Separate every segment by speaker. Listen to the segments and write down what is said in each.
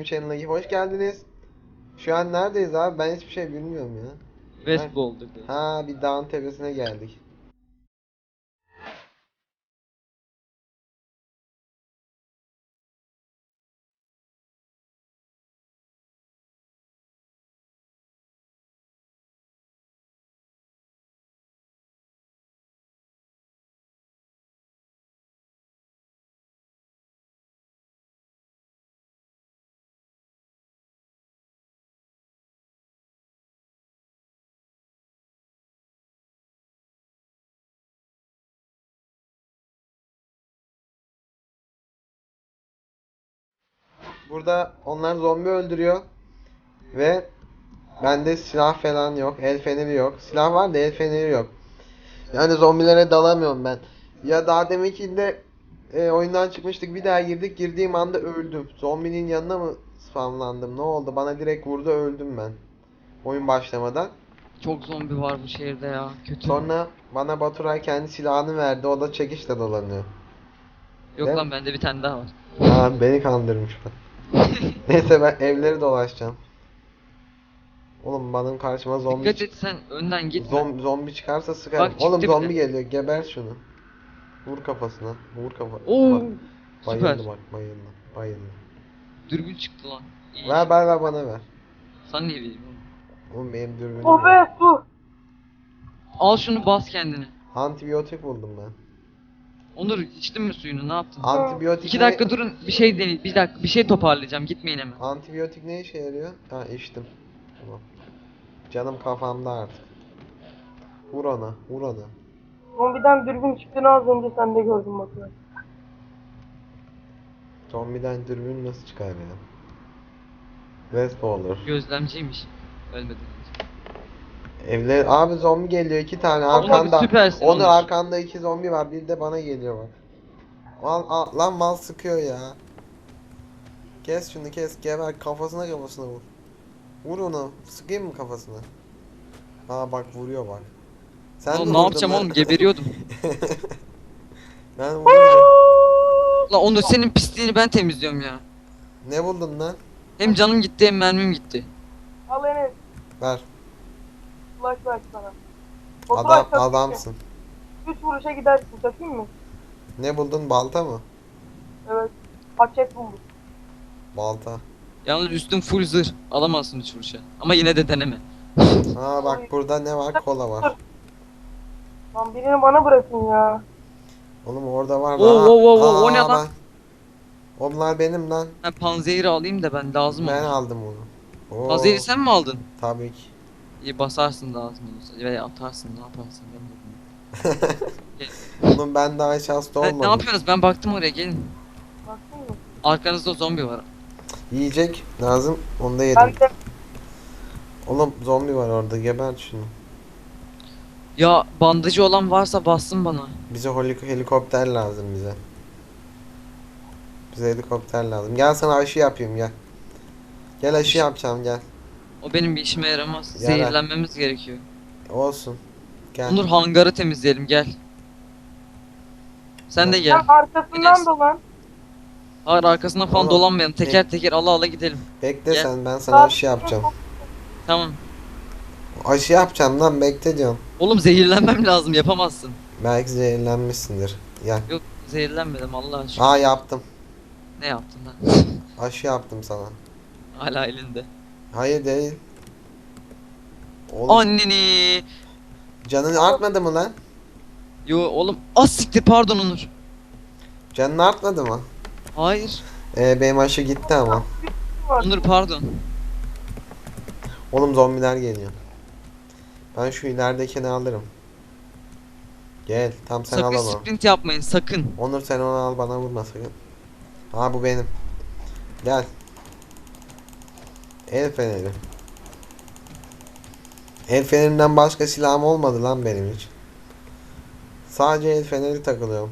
Speaker 1: Channel'a hoş geldiniz. Şu an neredeyiz abi? Ben hiçbir şey bilmiyorum ya.
Speaker 2: Westball'dur.
Speaker 1: Ha, bir dağın tepesine geldik. Burada onlar zombi öldürüyor ve bende silah falan yok, el feneri yok. Silah var da el feneri yok. Yani zombilere dalamıyorum ben. Ya daha deminkinde oyundan çıkmıştık, bir daha girdik. Girdiğim anda öldüm. Zombinin yanına mı spamlandım? Ne oldu? Bana direkt vurdu, öldüm ben. Oyun başlamadan.
Speaker 2: Çok zombi var bu şehirde ya. Kötü.
Speaker 1: Sonra bana Baturay kendi silahını verdi. O da çekişle dolanıyor.
Speaker 2: Yok
Speaker 1: Değil mi?
Speaker 2: lan bende bir tane daha var.
Speaker 1: Aa, beni kandırmış bak. Neyse, ben evleri dolaşacağım. Oğlum, benim karşıma zombi
Speaker 2: Dikkat et sen önden gitme.
Speaker 1: zombi çıkarsa sıkarım.
Speaker 2: Bak
Speaker 1: Oğlum,
Speaker 2: çıktı bir
Speaker 1: zombi
Speaker 2: de.
Speaker 1: geliyor. Geber şunu. Vur kafasına. Vur kafa.
Speaker 2: Oo,
Speaker 1: Bak.
Speaker 2: süper.
Speaker 1: Bayıldı bak, bayıldı. Bayıldı.
Speaker 2: Dürbün çıktı lan. İyi.
Speaker 1: Ver bana ver.
Speaker 2: Sana niye vereyim oğlum?
Speaker 1: Oğlum, benim dürbünüm
Speaker 3: O
Speaker 1: yok.
Speaker 3: be su.
Speaker 2: Al şunu bas kendini.
Speaker 1: Antibiyotik buldum ben.
Speaker 2: Onur içtin mi suyunu ne yaptın?
Speaker 1: Antibiyotik
Speaker 2: 2 dakika durun bir şey deney. Bir dakika bir şey toparlayacağım gitmeyin hemen.
Speaker 1: Antibiyotik ne işe yarıyor? Ha, içtim. Tamam. Canım kafamda artık. Vur ona, vur ona.
Speaker 3: Zombiden dürbün çıktığını az önce sen de gördün bakıyor.
Speaker 1: Zombiden dürbün nasıl çıkar ya? Westballer.
Speaker 2: Gözlemciymiş. Ölmeden önce.
Speaker 1: Evler abi, zombi geliyor, 2 tane
Speaker 2: Oğlum
Speaker 1: arkanda.
Speaker 2: süpersin
Speaker 1: Onun
Speaker 2: Onur.
Speaker 1: arkanda 2 zombi var, bir de bana geliyor bak. Lan mal sıkıyor ya. Kes şunu, kes, geber, kafasına vur. Vur onu, sıkayım mı kafasına? Ha bak, vuruyor bak. Sen de
Speaker 2: Oğlum ne
Speaker 1: vurdun
Speaker 2: yapacağım
Speaker 1: lan.
Speaker 2: oğlum geberiyordum.
Speaker 1: Ben vurunca.
Speaker 2: Lan Onur senin pisliğini ben temizliyorum ya.
Speaker 1: Ne buldun lan?
Speaker 2: Hem canım gitti hem mermim gitti.
Speaker 3: Al Enes.
Speaker 1: Ver.
Speaker 3: Flash ver sana. O flash takayım mı?
Speaker 1: Adamsın.
Speaker 3: 3 vuruşa gidersin takayım mı?
Speaker 1: Ne buldun, balta mı?
Speaker 3: Evet. Paket buldum.
Speaker 1: Balta.
Speaker 2: Yalnız üstüm full zırh. Alamazsın üç vuruşa. Ama yine de deneme.
Speaker 1: Ha bak, burada ne var? Kola var.
Speaker 3: Lan birini bana bırakın ya.
Speaker 1: Oğlum, orada var.
Speaker 2: O ne lan?
Speaker 1: Onlar benim lan.
Speaker 2: Ben panzehiri alayım da ben lazım
Speaker 1: Ben
Speaker 2: olur.
Speaker 1: aldım onu. Oo,
Speaker 2: Panzehiri sen mi aldın?
Speaker 1: tabii ki.
Speaker 2: İyi basarsın lazım olursa. Veya atarsın ne yaparsın ben de bilmiyorum.
Speaker 1: Oğlum, ben daha hiç hasta
Speaker 2: Ne
Speaker 1: olmadım.
Speaker 2: yapıyorsunuz? Ben baktım oraya gelin.
Speaker 3: Baktın mı?
Speaker 2: Arkanızda zombi var.
Speaker 1: Yiyecek lazım. Onu da yedim.
Speaker 3: Ben de
Speaker 1: Oğlum, zombi var orada. Gebert şunu.
Speaker 2: Ya bandajı olan varsa bassın bana.
Speaker 1: Bize helikopter lazım bize. Bize helikopter lazım. Gel, sana aşı yapayım, gel. Gel, aşı yapacağım, gel.
Speaker 2: O benim bir işime yaramaz.
Speaker 1: Yarar.
Speaker 2: Zehirlenmemiz gerekiyor.
Speaker 1: Olsun. Gel.
Speaker 2: Onur hangarı temizleyelim gel. Sen de gel.
Speaker 3: sen arkasından
Speaker 2: Enes.
Speaker 3: dolan.
Speaker 2: Hayır arkasına falan
Speaker 1: Oğlum,
Speaker 2: dolanmayalım. Teker teker ala ala gidelim.
Speaker 1: Bekle
Speaker 2: Gel.
Speaker 1: sen, ben sana aşı yapacağım.
Speaker 2: Tamam.
Speaker 1: Aşı yapacağım lan, bekle diyorum.
Speaker 2: Oğlum zehirlenmem lazım yapamazsın.
Speaker 1: Belki zehirlenmişsindir. Gel.
Speaker 2: Yok zehirlenmedim Allah aşkına.
Speaker 1: Aa, yaptım.
Speaker 2: Ne yaptın lan?
Speaker 1: Aşı yaptım sana.
Speaker 2: Hala elinde.
Speaker 1: Hayır, değil. Oğlum,
Speaker 2: Anneni.
Speaker 1: canın artmadı mı lan?
Speaker 2: Yo oğlum az siktir pardon Onur.
Speaker 1: Canın artmadı mı?
Speaker 2: Hayır.
Speaker 1: Benim aşı gitti ama.
Speaker 2: Onur pardon.
Speaker 1: Oğlum, zombiler geliyor. Ben şu ileridekini alırım. Gel, tam sen
Speaker 2: Sakın
Speaker 1: al onu.
Speaker 2: sprint yapmayın sakın.
Speaker 1: Onur, sen onu al, bana vurma sakın. Ha, bu benim. Gel. El feneri. El fenerinden başka silahım olmadı lan benim hiç. Sadece el feneri takılıyorum.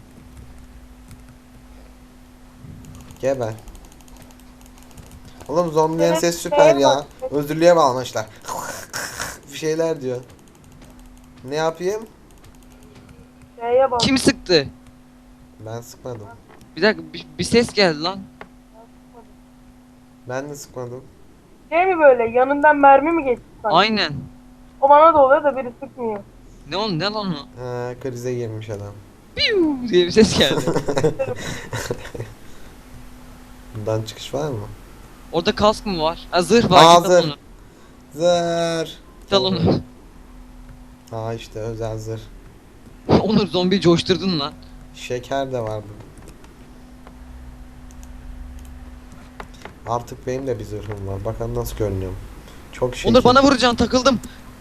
Speaker 1: Geber. Oğlum, zombilerin
Speaker 3: Evet,
Speaker 1: sesi süper ya.
Speaker 3: bak.
Speaker 1: Özürlüğe bağlamışlar. Bir şeyler diyor. Ne yapayım?
Speaker 3: Şeye bak.
Speaker 2: Kim sıktı?
Speaker 1: Ben sıkmadım.
Speaker 2: Bir dakika bir ses geldi lan.
Speaker 1: Ben de sıkmadım.
Speaker 3: Şey mi böyle yanından mermi mi geçti sanki?
Speaker 2: Aynen.
Speaker 3: O bana da oluyor da biri sıkmıyor.
Speaker 2: Ne lan o?
Speaker 1: Ha, krize girmiş adam.
Speaker 2: Piu diye bir ses geldi.
Speaker 1: Bundan çıkış var mı?
Speaker 2: Orada kask mı var? Ha, zırh var.
Speaker 1: Aa,
Speaker 2: Git al
Speaker 1: zırh.
Speaker 2: onu.
Speaker 1: Zır.
Speaker 2: Git al onu.
Speaker 1: Aa, işte özel zırh.
Speaker 2: Onur zombiyi coşturdun lan.
Speaker 1: Şeker de var burada. Artık benim de bir zırhım var. Bakalım nasıl görünüyorum. Çok şekil.
Speaker 2: Onur bana vuracaksın, takıldım.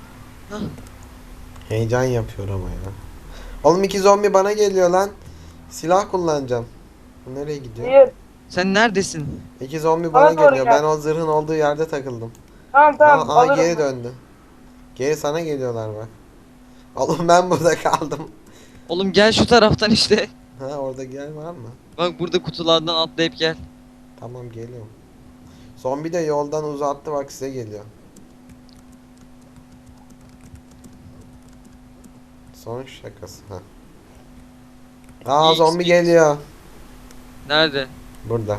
Speaker 1: Heyecan yapıyor ama ya. Oğlum 2 zombi bana geliyor lan. Silah kullanacağım. Bu nereye gidiyor?
Speaker 3: Hayır.
Speaker 2: Sen neredesin?
Speaker 1: 2 zombi
Speaker 3: Bana
Speaker 1: bana
Speaker 3: doğru
Speaker 1: geliyor.
Speaker 3: gel.
Speaker 1: Ben o zırhın olduğu yerde takıldım.
Speaker 3: Tamam
Speaker 1: Aa,
Speaker 3: alırım.
Speaker 1: geri döndü. Geri sana geliyorlar bak. Oğlum ben burada kaldım.
Speaker 2: Oğlum gel şu taraftan işte.
Speaker 1: Ha, orada gel var mı?
Speaker 2: Bak burada kutulardan atlayıp gel.
Speaker 1: Tamam, geliyorum. Zombi de yoldan uzattı, bak size geliyor. Son şakası. Ha. Aa,
Speaker 2: İyi,
Speaker 1: zombi
Speaker 2: iyi.
Speaker 1: geliyor.
Speaker 2: Nerede?
Speaker 1: Burada.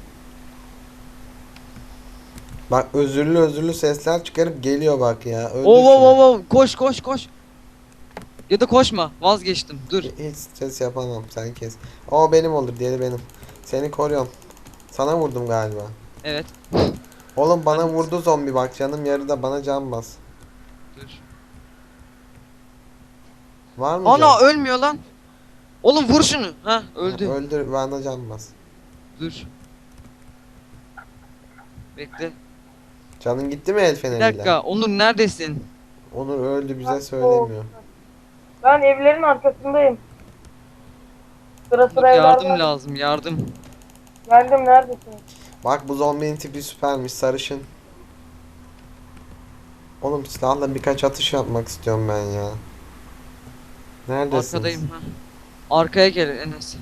Speaker 1: Bak, özürlü özürlü sesler çıkarıp geliyor bak ya. Öldür şunu.
Speaker 2: Koş koş koş. Ya da koşma, vazgeçtim, dur.
Speaker 1: Hiç stres yapamam, sen kes. O benim olur, diğeri benim. Seni koruyorum. Sana vurdum galiba.
Speaker 2: Evet,
Speaker 1: Oğlum bana
Speaker 2: Ben-
Speaker 1: vurdu zombi, bak canım yarıda, bana can bas.
Speaker 2: dur.
Speaker 1: Var mı
Speaker 2: Ana
Speaker 1: can?
Speaker 2: ölmüyor lan. Oğlum vur şunu. Ha öldü.
Speaker 1: Öldür, bana can bas.
Speaker 2: Dur. Bekle.
Speaker 1: Canın gitti mi el
Speaker 2: Bir
Speaker 1: feneriyle?
Speaker 2: dakika, Onur neredesin?
Speaker 1: Onur öldü, bize
Speaker 3: Bak,
Speaker 1: söylemiyor.
Speaker 3: Ben evlerin arkasındayım. Sıra
Speaker 2: Onur
Speaker 3: sıra evler
Speaker 2: yardım
Speaker 3: var.
Speaker 2: lazım, yardım.
Speaker 3: Geldim neredesin?
Speaker 1: Bak, bu zombinin tipi süpermiş, sarışın. Oğlum silahla birkaç atış yapmak istiyorum ben ya. Neredesiniz?
Speaker 2: Arkadayım ha. Arkaya gel Enes.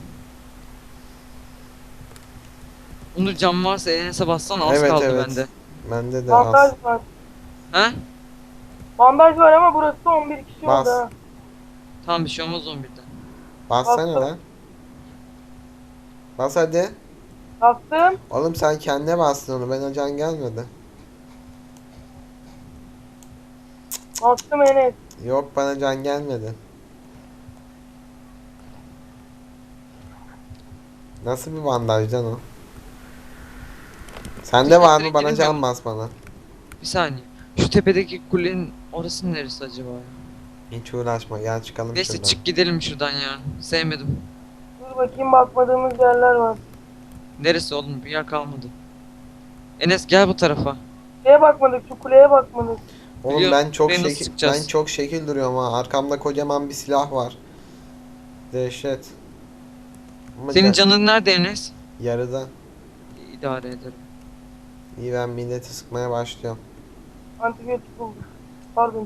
Speaker 2: Onur cam varsa Enes'e bassana, az
Speaker 1: Evet,
Speaker 2: kaldı
Speaker 1: evet.
Speaker 2: bende.
Speaker 1: Bende de
Speaker 3: Bandaj
Speaker 1: az.
Speaker 3: var.
Speaker 2: Ha?
Speaker 3: Bandaj var ama burası da 11 kişi
Speaker 1: Bas.
Speaker 3: oldu ha.
Speaker 2: Tamam, bir şey olmaz 11'den.
Speaker 1: Bassana
Speaker 3: Bastım.
Speaker 1: lan. Bas hadi.
Speaker 3: Bastım.
Speaker 1: Oğlum sen kendine bastın onu, ben can gelmedi.
Speaker 3: Bastım Enes.
Speaker 1: Yok, bana can gelmedi. Nasıl bir bandajdan o? Sende var mı?
Speaker 2: Direkt
Speaker 1: Bana
Speaker 2: girince
Speaker 1: can
Speaker 2: mi?
Speaker 1: bas bana.
Speaker 2: Bir saniye. Şu tepedeki kulenin orası neresi acaba ya?
Speaker 1: Hiç uğraşma, gel çıkalım
Speaker 2: Neyse
Speaker 1: şuradan.
Speaker 2: çık gidelim şuradan ya. Sevmedim.
Speaker 3: Dur bakayım bakmadığımız yerler var.
Speaker 2: Neresi oğlum? Bir yer kalmadı. Enes gel bu tarafa.
Speaker 3: Şeye bakmadık, şu kuleye bakmadık.
Speaker 1: Oğlum
Speaker 2: Biliyorum,
Speaker 1: ben çok
Speaker 2: buraya nasıl
Speaker 1: şekil
Speaker 2: çıkacağız?
Speaker 1: ben çok şekil duruyorum ha. Arkamda kocaman bir silah var. Dehşet. Ama
Speaker 2: Senin canın nerede Enes?
Speaker 1: yarıda.
Speaker 2: İdare ederim.
Speaker 1: İyi, ben milleti sıkmaya başlıyorum.
Speaker 3: Antibiyotik buldum. Pardon.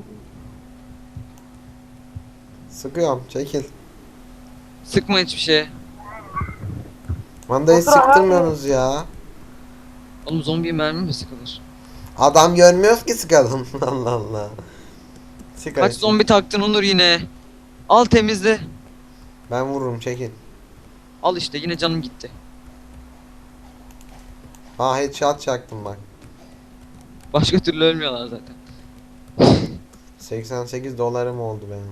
Speaker 1: Sıkıyorum, çekil.
Speaker 2: Sıkma hiçbir şeye.
Speaker 1: Mandayı
Speaker 3: Otur,
Speaker 1: sıktırmıyorsunuz ya.
Speaker 2: Oğlum zombiye mermi mi sıkılır?
Speaker 1: Adam görmüyoruz ki sıkalım. Allah Allah. Sık
Speaker 2: Kaç
Speaker 1: hadi.
Speaker 2: zombi taktın Onur yine? Al temizle.
Speaker 1: Ben vururum, çekil.
Speaker 2: Al işte yine canım gitti.
Speaker 1: Ha, headshot çaktım bak.
Speaker 2: Başka türlü ölmüyorlar zaten.
Speaker 1: 88 dolarım oldu benim.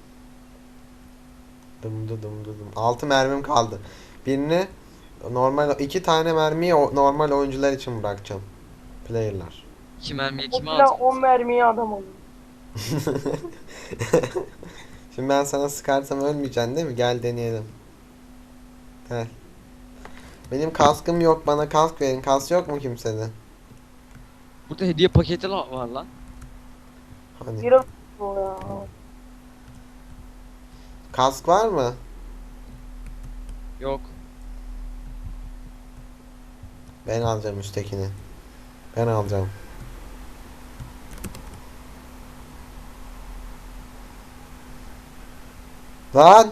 Speaker 1: Dım dı dım dı dım. 6 mermim kaldı. Birini normal, 2 tane mermiyi normal oyuncular için bırakacağım. Player'lar.
Speaker 2: 2 mermiye
Speaker 3: O
Speaker 2: kime
Speaker 3: silah
Speaker 2: alacak?
Speaker 3: 10 mermiye adam olur.
Speaker 1: Şimdi ben sana sıkarsam ölmeyeceksin değil mi? Gel deneyelim. Gel. Benim kaskım yok, bana kask verin. Kask yok mu kimsede?
Speaker 2: Burada hediye paketi var lan.
Speaker 1: Hani
Speaker 3: Bir o ya.
Speaker 1: kask var mı?
Speaker 2: Yok.
Speaker 1: Ben alacağım üsttekini. Ben alacağım. Lan!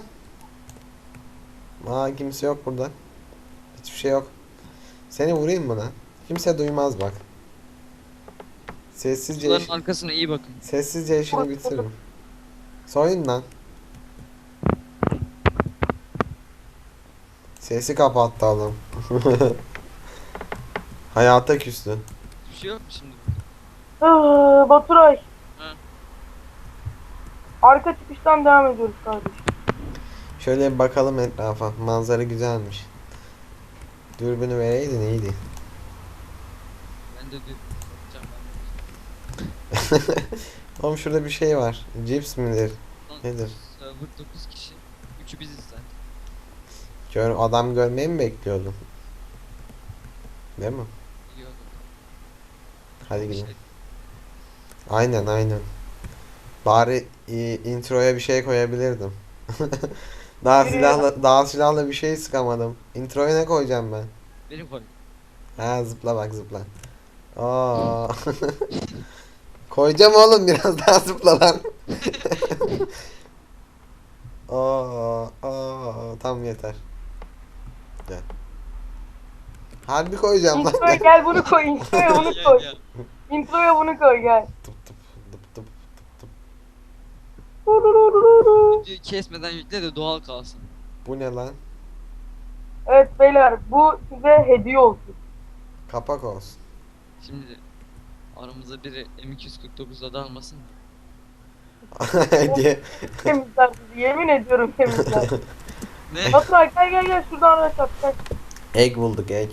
Speaker 1: Aa, kimse yok burada. Hiçbir şey yok. Seni vurayım mı lan? Kimse duymaz bak. Sessizce
Speaker 2: Kutuların arkasına iyi bakın.
Speaker 1: sessizce işini bitiririm. Soyun lan. Sesi kapattı adam. Hayata küstü.
Speaker 2: Bir şey yok mu şimdi?
Speaker 3: Baturay.
Speaker 2: Ha.
Speaker 3: Arka çıkıştan devam ediyoruz kardeşim.
Speaker 1: Şöyle bir bakalım etrafa. Manzara güzelmiş. Dürbünü vereydin iyiydi.
Speaker 2: Ben de diyor. Bakacağım
Speaker 1: Oğlum şurada bir şey var. Cips midir?
Speaker 2: ben. Lan,
Speaker 1: Nedir?
Speaker 2: server 9 kişi. 3'ü biziz zaten.
Speaker 1: Adam görmeyi mi bekliyordun? Değil mi?
Speaker 2: İyi oldu.
Speaker 1: Hadi
Speaker 2: Bir
Speaker 1: gidelim.
Speaker 2: şey-
Speaker 1: Aynen. Bari introya bir şey koyabilirdim. Daha silahla bir şey sıkamadım. Introya ne koyacağım ben?
Speaker 2: Benim koy.
Speaker 1: Ha zıpla bak zıpla. Aa. Koyacağım oğlum biraz daha zıpla lan. Tamam yeter. Gel. Harbi koyacağım lan.
Speaker 3: Introya gel bunu koy. Introya bunu koy.
Speaker 2: Ya.
Speaker 3: Introya bunu koy gel.
Speaker 1: Tıp tıp tıp tıp tıp.
Speaker 2: Videoyu kesmeden yükle de doğal kalsın.
Speaker 1: Bu ne lan?
Speaker 3: Evet beyler bu size hediye olsun.
Speaker 1: Kapak olsun.
Speaker 2: Şimdi aramızda biri M249'da da almasın.
Speaker 1: diye.
Speaker 3: Temizler sizi yemin ediyorum temizler.
Speaker 2: Ne?
Speaker 3: Baturay gel şuradan araç at gel.
Speaker 1: Egg bulduk egg.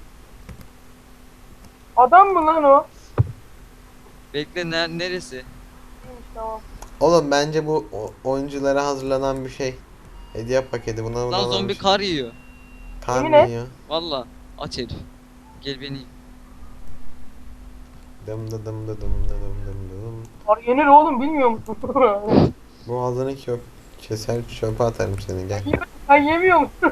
Speaker 3: Adam mı lan o?
Speaker 2: Bekle neresi?
Speaker 3: İyiymiş tamam.
Speaker 1: Oğlum bence bu oyunculara hazırlanan bir şey. Hediye paketi buna
Speaker 2: Lan zombi kar yiyor.
Speaker 1: Kar
Speaker 3: Yemin
Speaker 1: mı
Speaker 3: et.
Speaker 1: yiyor?
Speaker 2: Valla aç herif. Gel beni.
Speaker 1: Dım dı dım dı dım dı dım dım dım.
Speaker 3: Var yenir oğlum bilmiyor musun?
Speaker 1: Boğazını keser çöpe atarım seni gel.
Speaker 3: Sen yemiyor musun?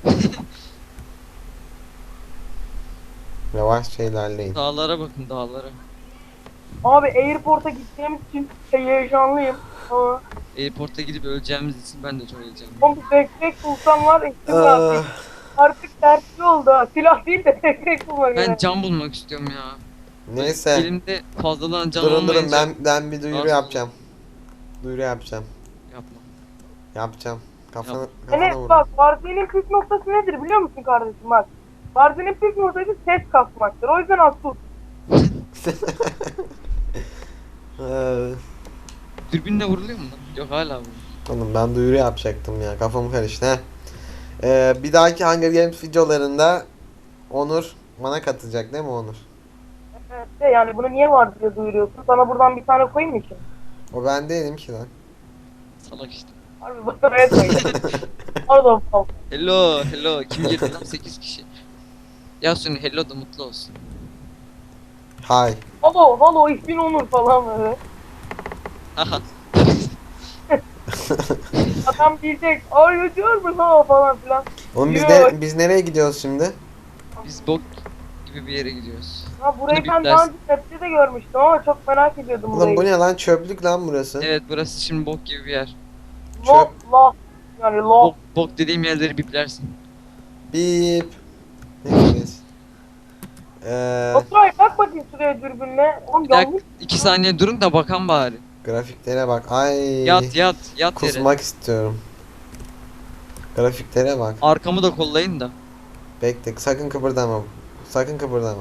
Speaker 1: Yavaşça ilerleyin.
Speaker 2: Dağlara bakın dağlara.
Speaker 3: Abi Airport'a gideceğimiz için heyecanlıyım. Ama
Speaker 2: Airport'a gidip öleceğimiz için ben de çok heyecanlıyım.
Speaker 3: oğlum bir backpack bulsam var içim
Speaker 1: Ah,
Speaker 3: rahat. Artık tersli oldu ha. Silah değil de backpack bulmak
Speaker 2: Ben
Speaker 3: gerek.
Speaker 2: can bulmak istiyorum ya.
Speaker 1: Neyse.
Speaker 2: Elimde fazladan can
Speaker 1: Durun
Speaker 2: olmayınca
Speaker 1: ben bir duyuru
Speaker 2: Nasıl?
Speaker 1: yapacağım. Duyuru yapacağım.
Speaker 2: yapma.
Speaker 1: Yapacağım. Kafana
Speaker 2: Yap.
Speaker 1: kafana
Speaker 3: Enes
Speaker 1: vur.
Speaker 3: bak Barzi'nin püf noktası nedir biliyor musun kardeşim bak. Barzi'nin püf noktası ses kasmaktır. O yüzden az sus.
Speaker 2: Dürbünle vuruluyor mu lan? Yok hala vuruluyor.
Speaker 1: Oğlum ben duyuru yapacaktım ya. Kafam karıştı he. Bir dahaki Hunger Games videolarında Onur bana katılacak değil mi Onur?
Speaker 3: Evet, de yani bunu niye var diye duyuruyorsun. Sana buradan bir tane koyayım mı ki?
Speaker 1: O ben değilim ki lan.
Speaker 2: Salak işte.
Speaker 3: Harbi bana koyayım. Pardon pardon.
Speaker 2: Hello. Kim girdi lan? 8 kişi. Yasun hello da mutlu olsun.
Speaker 1: Hay.
Speaker 3: Halo ich bin Onur falan böyle.
Speaker 2: Haha.
Speaker 3: Adam diyecek arıyor mu ha falan filan.
Speaker 1: Oğlum
Speaker 3: Yo.
Speaker 1: biz nereye gidiyoruz şimdi?
Speaker 2: Biz bok gibi bir yere gidiyoruz.
Speaker 3: Ha burayı
Speaker 2: Bunu
Speaker 3: ben daha önce map'te de görmüştüm ama çok merak ediyordum
Speaker 1: Oğlum
Speaker 3: burayı.
Speaker 1: bu ne lan çöplük lan burası.
Speaker 2: Evet burası şimdi bok gibi bir yer.
Speaker 3: Lof lof. Yani lof.
Speaker 2: Bok dediğim yerleri biplersin.
Speaker 1: Bip. Neyse.
Speaker 3: Oturay bak bakayım şuraya dürbünle. Oğlum
Speaker 2: Bir dakika
Speaker 3: yanlış.
Speaker 2: 2 saniye durun da bakan bari.
Speaker 1: Grafiklere bak. Ay.
Speaker 2: Yat yere.
Speaker 1: Kusmak istiyorum. Grafiklere bak.
Speaker 2: Arkamı da kollayın da.
Speaker 1: Bekle sakın kıpırdama. Sakın kıpırdama.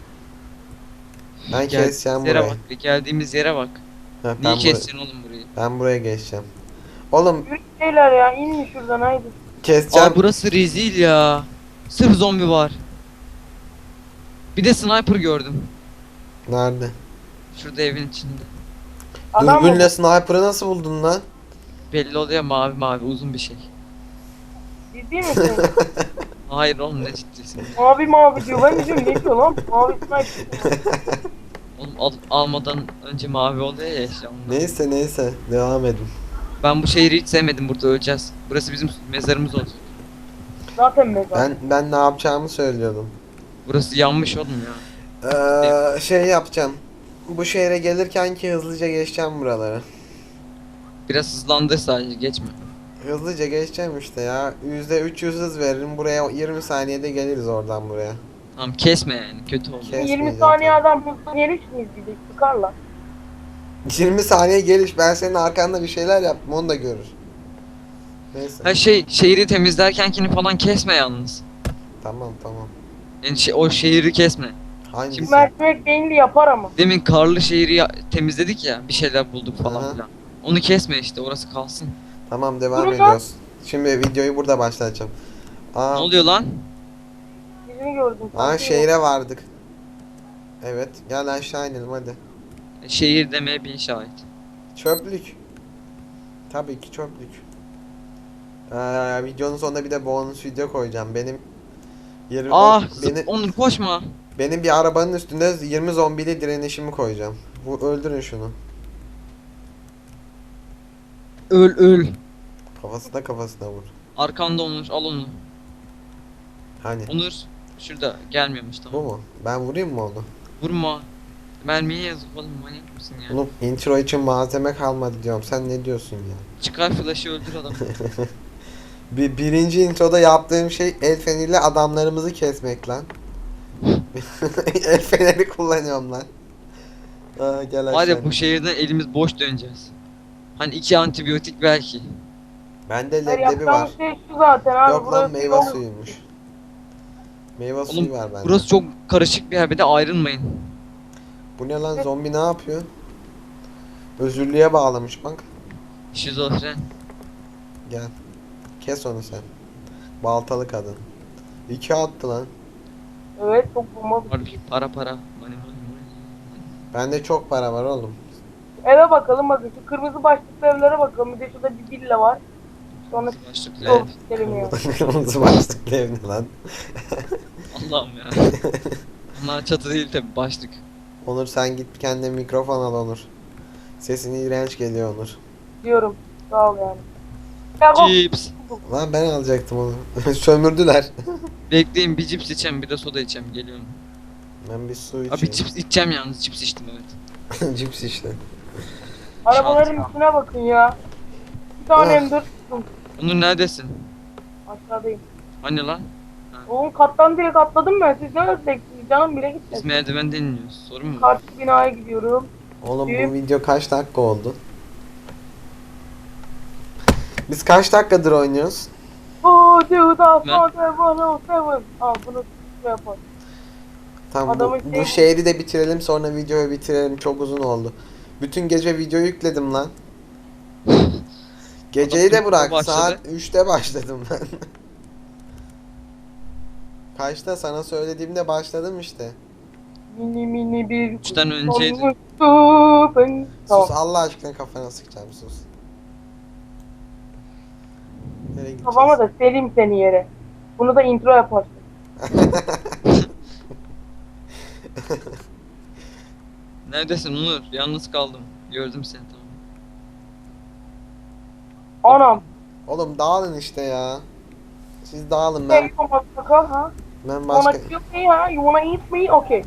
Speaker 1: Ben
Speaker 2: Gel-
Speaker 1: keseceğim
Speaker 2: yere
Speaker 1: burayı.
Speaker 2: bak. Bir geldiğimiz yere bak.
Speaker 1: Ha,
Speaker 2: Niye keseceksin oğlum burayı?
Speaker 1: ben buraya geçeceğim. Oğlum
Speaker 3: Yürü şeyler ya inin şuradan haydi.
Speaker 1: keseceğim.
Speaker 2: Aa burası rezil ya. Sırf zombi var. Bir de sniper gördüm.
Speaker 1: Nerede?
Speaker 2: Şurada evin içinde.
Speaker 3: Adam
Speaker 1: Dürbünle sniper'ı nasıl buldun lan?
Speaker 2: Belli oluyor mavi uzun bir şey.
Speaker 3: ciddi misin?
Speaker 2: Hayır oğlum ne ciddisin.
Speaker 3: Mavi diyor. Ben de diyorum ne diyor lan? Mavi sniper.
Speaker 2: Oğlum almadan önce mavi oluyor ya işte ondan.
Speaker 1: Neyse devam edin.
Speaker 2: Ben bu şehri hiç sevmedim, burada öleceğiz. Burası bizim mezarımız olacak.
Speaker 3: Zaten mezar.
Speaker 1: Ben ne yapacağımı söylüyordum.
Speaker 2: Burası yanmış oğlum ya.
Speaker 1: Şey yapacağım. Bu şehre gelirken ki hızlıca geçeceğim buraları.
Speaker 2: Biraz hızlandır sadece geçme.
Speaker 1: Hızlıca geçeceğim işte ya. %300 hız veririm. Buraya 20 saniyede geliriz oradan buraya.
Speaker 2: Tamam kesme yani kötü oldu.
Speaker 1: Kes.
Speaker 3: 20
Speaker 1: kesmeyeceğim
Speaker 3: saniye
Speaker 1: tabii.
Speaker 3: adam hızlı geliş miyiz bir de sıkarla.
Speaker 1: 20 saniye geliş. Ben senin arkanda bir şeyler yaptım. Onu da görür. Neyse.
Speaker 2: Ha şehri temizlerkenkini falan kesme yalnız.
Speaker 1: Tamam.
Speaker 2: Yani o şehri kesme.
Speaker 1: Hangisi?
Speaker 3: Mercimek beyinli yapar ama.
Speaker 2: Demin karlı şehri temizledik ya. Bir şeyler bulduk
Speaker 1: Aha.
Speaker 2: falan filan. Onu kesme işte, orası kalsın.
Speaker 1: Tamam, devam
Speaker 3: Durun lan.
Speaker 1: ediyoruz. Şimdi videoyu burada başlatacağım.
Speaker 2: Ne
Speaker 1: Aa,
Speaker 2: oluyor lan?
Speaker 3: Birini gördüm.
Speaker 1: aa
Speaker 3: sanki.
Speaker 1: şehre vardık. Evet, gel aşağı inelim hadi.
Speaker 2: Şehir demeye bin şahit.
Speaker 1: Çöplük. Tabii ki çöplük. Videonun sonunda bir de bonus video koyacağım. Benim 20
Speaker 2: Ah
Speaker 1: beni,
Speaker 2: Onur koşma.
Speaker 1: benim bir arabanın üstünde 20 zombili direnişimi koyacağım. Bu öldürün şunu.
Speaker 2: Öl öl.
Speaker 1: Kafasına vur.
Speaker 2: Arkanda Onur, al onu.
Speaker 1: Hani
Speaker 2: Onur şurada gelmiyormuş,
Speaker 1: bu
Speaker 2: tamam.
Speaker 1: mu? Ben vurayım mı onu?
Speaker 2: Vurma. Mermiye yazık oğlum, manyak mısın ya?
Speaker 1: Oğlum intro için malzeme kalmadı diyorum. Sen ne diyorsun ya?
Speaker 2: Çıkar flash'ı, öldür adamı.
Speaker 1: Birinci introda yaptığım şey el feneriyle adamlarımızı kesmek lan. El feneri kullanıyorum lan. Gel
Speaker 2: Var
Speaker 1: aşağı.
Speaker 2: ya, bu şehirden elimiz boş döneceğiz. Hani 2 antibiyotik belki.
Speaker 1: Bende
Speaker 3: Hayır,
Speaker 1: leblebi var.
Speaker 3: yapacağımız şey şu zaten abi.
Speaker 1: Yok lan,
Speaker 3: burası
Speaker 1: meyve
Speaker 3: yol.
Speaker 1: suyuymuş. Meyve
Speaker 2: Oğlum
Speaker 1: suyu var bende.
Speaker 2: burası çok karışık bir yer, bir de ayrılmayın.
Speaker 1: Bu ne lan, zombi ne yapıyor? Özürlüğe bağlamış bak.
Speaker 2: Şizofren.
Speaker 1: Gel. Kes onu sen. Baltalı kadın. 2 attı lan.
Speaker 3: Evet, çok bomba.
Speaker 2: Var para para. Money.
Speaker 1: Bende çok para var oğlum.
Speaker 3: Eve bakalım, bakın şu kırmızı başlıklı evlere bakalım. Bir de şurada bir villa var. Sonra
Speaker 2: Başlıklı
Speaker 3: yol
Speaker 2: ev.
Speaker 3: gidelim ya.
Speaker 1: Kırmızı başlıklı ev ne lan?
Speaker 2: Allah'ım ya. Onlar çatı değil tabi, başlık.
Speaker 1: Onur sen git kendine mikrofon al Onur. Sesin iğrenç geliyor Onur.
Speaker 3: Diyorum. Sağ ol yani. Ya bak,
Speaker 2: Cips.
Speaker 1: Lan ben alacaktım onu. Sömürdüler.
Speaker 2: Bekleyin, bir cips içeceğim, bir de soda içeceğim, geliyorum.
Speaker 1: Ben bir su
Speaker 2: Abi
Speaker 1: içeyim.
Speaker 2: cips içeceğim yalnız, cips içtim evet.
Speaker 1: Cips işte.
Speaker 3: arabaların üstüne bakın ya. Bir tane
Speaker 1: Ah.
Speaker 3: M4 tuttum.
Speaker 2: Onur neredesin?
Speaker 3: Aşağıdayım.
Speaker 2: Hani lan?
Speaker 3: Oğlum kattan direkt atladım ben. Siz ne ördeksiniz? Canım bile
Speaker 2: Biz
Speaker 3: gitmedi.
Speaker 2: merdivenden iniyoruz. Sorun mu var?
Speaker 3: Karşı binaya gidiyorum.
Speaker 1: Oğlum bu
Speaker 3: Büyük.
Speaker 1: video kaç dakika oldu? Biz kaç dakikadır oynuyoruz?
Speaker 3: Oh dude,
Speaker 2: Ne?
Speaker 3: Al bunu şey yapalım.
Speaker 1: Tamam
Speaker 3: Adamın
Speaker 1: bu
Speaker 3: şey-
Speaker 1: şehri de bitirelim, sonra videoyu bitirelim, çok uzun oldu. Bütün gece video yükledim lan. Geceyi
Speaker 2: Adam
Speaker 1: de bırak,
Speaker 2: başladı.
Speaker 1: saat 3'te başladım ben. Kaçta sana söylediğimde başladım işte.
Speaker 3: Mini mini bir
Speaker 2: Üçten önceydi.
Speaker 3: olmuştu ben. Tamam.
Speaker 1: Sus Allah aşkına, kafana sıkacağım, sus. Nereye gideceğiz?
Speaker 3: Kafama da sereyim seni yere. Bunu da intro yaparsın.
Speaker 2: Neredesin Onur? Yalnız kaldım. Gördüm seni, tamam.
Speaker 3: Anam.
Speaker 1: Oğlum dağılın işte ya. Siz dağılın, ben
Speaker 3: Hey, motherfucker, ha?
Speaker 1: ben
Speaker 3: You
Speaker 1: başka
Speaker 3: wanna kill me, ha? You wanna eat me? Okay.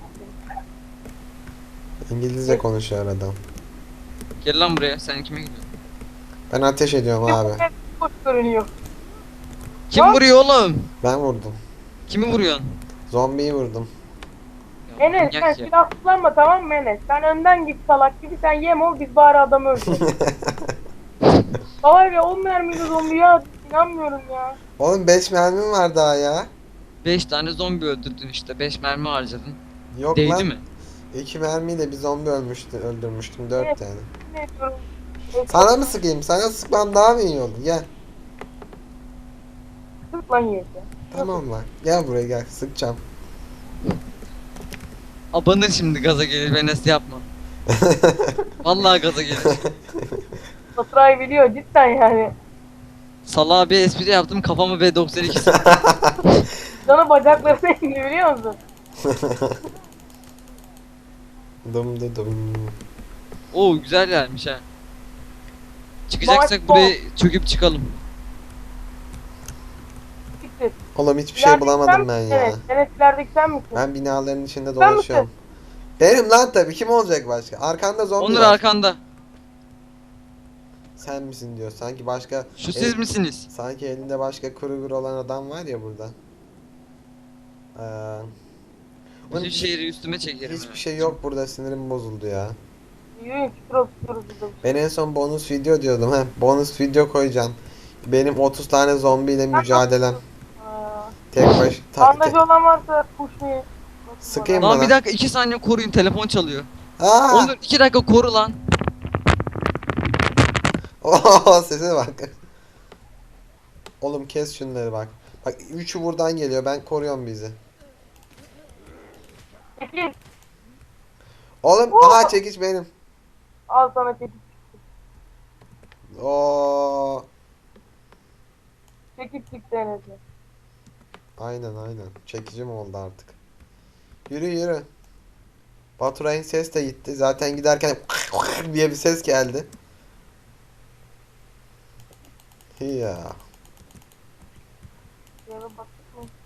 Speaker 1: İngilizce konuşuyor adam.
Speaker 2: Gel lan buraya, sen kime gidiyorsun?
Speaker 1: Ben ateş ediyorum abi.
Speaker 3: Hoş görünüyor.
Speaker 2: Kim
Speaker 3: Lan.
Speaker 2: vuruyor oğlum?
Speaker 1: Ben vurdum.
Speaker 2: Kimi vuruyorsun?
Speaker 1: Zombiyi vurdum.
Speaker 2: Ya,
Speaker 3: Enes sen
Speaker 2: manyak ya.
Speaker 3: silah kullanma, tamam mı Enes? Sen önden git salak gibi, sen yem ol, biz bari adamı öldürelim. Var ya 10 mermili zombi ya, inanmıyorum ya.
Speaker 1: Oğlum 5 mermim var daha ya.
Speaker 2: 5 tane zombi öldürdün işte, 5 mermi harcadın.
Speaker 1: Yok
Speaker 2: Değdi
Speaker 1: lan.
Speaker 2: mi?
Speaker 1: 2 mermiyle bir zombi öldürmüştüm. 4
Speaker 3: Evet.
Speaker 1: tane.
Speaker 3: Ne diyorum?
Speaker 1: Sana mı sıkayım? Sana sıkmam daha mı iyi olur? Gel.
Speaker 3: Sık lan yiyece.
Speaker 1: Tamam lan. Gel buraya gel. Sıkacağım.
Speaker 2: Abanır şimdi, gaza gelir, Enes yapma. Vallahi gaza gelir.
Speaker 3: Faturayı biliyor cidden yani.
Speaker 2: Salağa bir espri yaptım, kafamı B92 sıktı.
Speaker 3: Canı bacaklarına indi biliyor musun?
Speaker 1: Dum du dum.
Speaker 2: Oo, güzel yermiş ha. Çıkacaksak
Speaker 3: Maç
Speaker 2: buraya çöküp çıkalım.
Speaker 3: Siktir.
Speaker 1: Oğlum hiçbir şey bulamadım ben ya.
Speaker 3: Evet, Enes ilerideki sen misin?
Speaker 1: Ben binaların içinde
Speaker 3: Sen
Speaker 1: dolaşıyorum. Benim lan tabii. Kim olacak başka? Arkanda zombi
Speaker 2: Onur
Speaker 1: var.
Speaker 2: arkanda.
Speaker 1: Sen misin diyor. Sanki başka...
Speaker 2: Şu siz misiniz?
Speaker 1: Sanki elinde başka kuru olan adam var ya burada. Oğlum,
Speaker 2: Bütün şehri üstüme çekerim.
Speaker 1: hiçbir
Speaker 2: ya.
Speaker 1: şey yok burada, sinirim bozuldu ya.
Speaker 3: Yürüyün küfür oturuyoruz burada.
Speaker 1: Ben en son bonus video diyordum, he. Bonus video koyacağım. Benim 30 tane zombiyle mücadelem.
Speaker 3: Aa,
Speaker 1: Tek baş...
Speaker 3: Bandajı olan varsa push me.
Speaker 1: Sıkayım
Speaker 2: Lan
Speaker 1: bana.
Speaker 2: bir dakika 2 saniye koruyun, telefon çalıyor.
Speaker 1: Aa!
Speaker 2: Onur 2 dakika koru lan.
Speaker 1: Oo, sese bak. Oğlum kes şunları bak. Bak üçü buradan geliyor. Ben koruyorum bizi.
Speaker 3: Çekil.
Speaker 1: Oğlum
Speaker 3: Oo.
Speaker 1: aha çekiç benim.
Speaker 3: Al sana çekil.
Speaker 1: Oo.
Speaker 3: Çekil çıktı Enes'e.
Speaker 1: Aynen. Çekicim oldu artık. Yürü. Baturay'ın ses de gitti. Zaten giderken diye bir ses geldi. Ya.
Speaker 3: Yere baktık mı?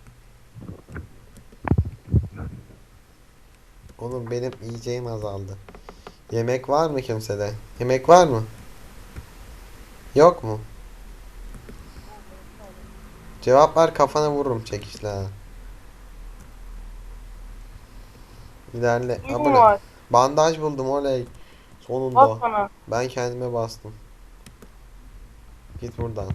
Speaker 1: Oğlum benim yiyeceğim azaldı. Yemek var mı kimsede? Yemek var mı? Yok mu? Cevap ver, kafana vururum çekişle ha. İlerle.
Speaker 3: Suyum
Speaker 1: Abone.
Speaker 3: var.
Speaker 1: Bandaj buldum oley.
Speaker 3: Bas
Speaker 1: Sonunda.
Speaker 3: bana.
Speaker 1: Ben kendime bastım. Git buradan.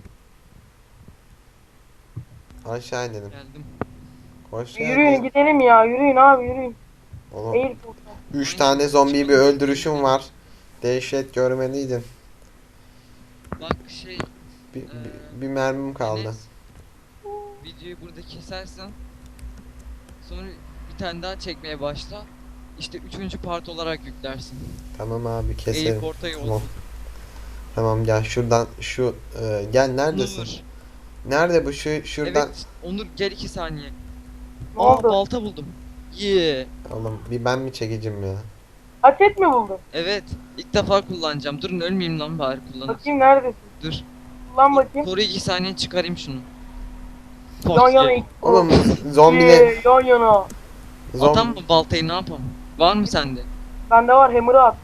Speaker 1: Aşağı inelim.
Speaker 2: Geldim.
Speaker 1: Hoş
Speaker 3: Yürüyün
Speaker 1: geldin.
Speaker 3: gidelim ya. Yürüyün abi yürüyün.
Speaker 1: Oğlum
Speaker 3: Eğil buradan.
Speaker 1: 3 tane zombiyi bir öldürüşüm var. Dehşet görmeliydin.
Speaker 2: Bak şey
Speaker 1: Bir mermim kaldı.
Speaker 2: Enes, videoyu burada kesersen sonra bir tane daha çekmeye başla. İşte 3. part olarak yüklersin.
Speaker 1: Tamam abi keserim.
Speaker 2: Airport'a yol.
Speaker 1: Tamam. Tamam gel şuradan gel neredesin?
Speaker 2: Onur.
Speaker 1: Nerede bu şuradan?
Speaker 2: Evet Onur gel 2 saniye.
Speaker 3: Ne
Speaker 2: Aa
Speaker 3: oldu?
Speaker 2: balta buldum. Yeah.
Speaker 1: Oğlum bir ben mi çekeceğim ya?
Speaker 3: Aset mi buldun?
Speaker 2: Evet ilk defa kullanacağım. Durun ölmeyeyim lan bari kullanırım.
Speaker 3: Bakayım neredesin?
Speaker 2: Dur.
Speaker 3: Kullan bakayım.
Speaker 2: Koru 2 saniye çıkarayım şunu.
Speaker 3: Yan yana
Speaker 2: Ye.
Speaker 3: iki.
Speaker 1: Oğlum zombiler
Speaker 3: Yan yana.
Speaker 2: Atam mı baltayı, ne yapalım? Var mı sende?
Speaker 3: Bende var hammer'ı at.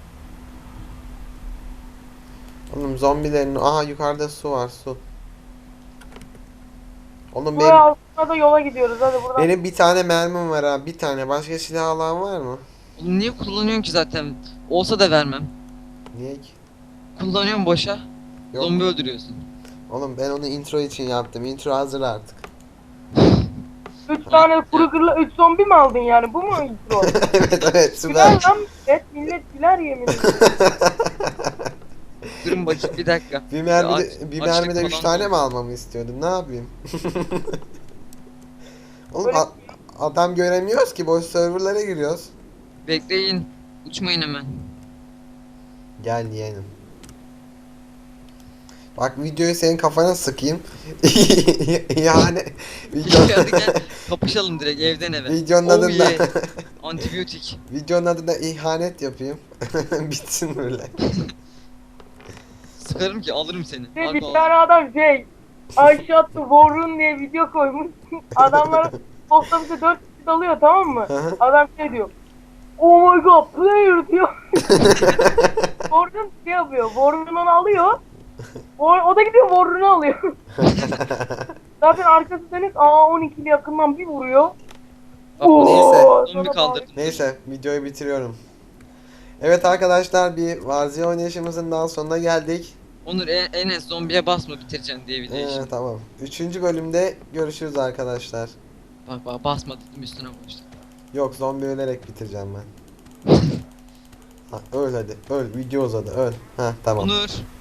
Speaker 1: Oğlum zombilerin aha yukarıda su var su. Oğlum
Speaker 3: Buraya altına da yola gidiyoruz hadi buradan.
Speaker 1: benim bir tane mermim var ha, bir tane. Başka silah alan var mı?
Speaker 2: Oğlum niye kullanıyorsun ki zaten? Olsa da vermem.
Speaker 1: Niye ki?
Speaker 2: Kullanıyorum boşa.
Speaker 1: Yok.
Speaker 2: Zombi öldürüyorsun.
Speaker 1: Oğlum ben onu intro için yaptım. Intro hazır artık.
Speaker 3: 3 tane kuru kırla 3 zombi mi aldın yani? Bu mu intro?
Speaker 1: evet
Speaker 3: Güler
Speaker 1: süper.
Speaker 3: lan millet güler yemin ederim.
Speaker 2: Durun bakayım bir dakika.
Speaker 1: Bir mermide,
Speaker 2: Aç-
Speaker 1: bir
Speaker 2: açlık
Speaker 1: mermide 3
Speaker 2: falan
Speaker 1: tane
Speaker 2: da
Speaker 1: mi almamı istiyordun? Ne yapayım? Oğlum
Speaker 3: Böyle-
Speaker 1: adam göremiyoruz ki, boş serverlara giriyoruz.
Speaker 2: Bekleyin. Uçmayın hemen.
Speaker 1: Gel yeğenim. Bak videoyu senin kafana sıkayım. Yani video,
Speaker 2: Hadi gel kapışalım direkt evden eve.
Speaker 1: videonun
Speaker 2: Oh
Speaker 1: adında
Speaker 2: yeah. Antibiyotik.
Speaker 1: videonun adında ihanet yapayım. Bitsin böyle.
Speaker 2: Sıkarım ki alırım seni.
Speaker 3: Bir
Speaker 2: Harbi
Speaker 3: tane
Speaker 2: alırım.
Speaker 3: adam Ayşe attı Warrun diye video koymuş. Adamlar otobüse 4 kişi dalıyor tamam mı?
Speaker 1: Hı hı.
Speaker 3: Adam diyor. Oh my god player diyor. Warrun yapıyor. Warrun onu alıyor. O da gidiyor Warrun'u alıyor. Zaten arkası dönük A12'li yakından bir vuruyor.
Speaker 2: Bak
Speaker 1: Neyse.
Speaker 2: zombi
Speaker 3: Sonra
Speaker 2: kaldırdım.
Speaker 1: Neyse videoyu bitiriyorum. Evet arkadaşlar, bir Warzone oynayışımızın daha sonuna geldik.
Speaker 2: Onur Enes zombiye basma bitireceksin diye bir değişim.
Speaker 1: Tamam. 3. bölümde görüşürüz arkadaşlar.
Speaker 2: Bak basma dedim üstüne koştum.
Speaker 1: Yok, zombi ölerek bitireceğim ben. Ha, öl hadi. Öl. Video uzadı. Öl. Ha tamam.
Speaker 2: Onur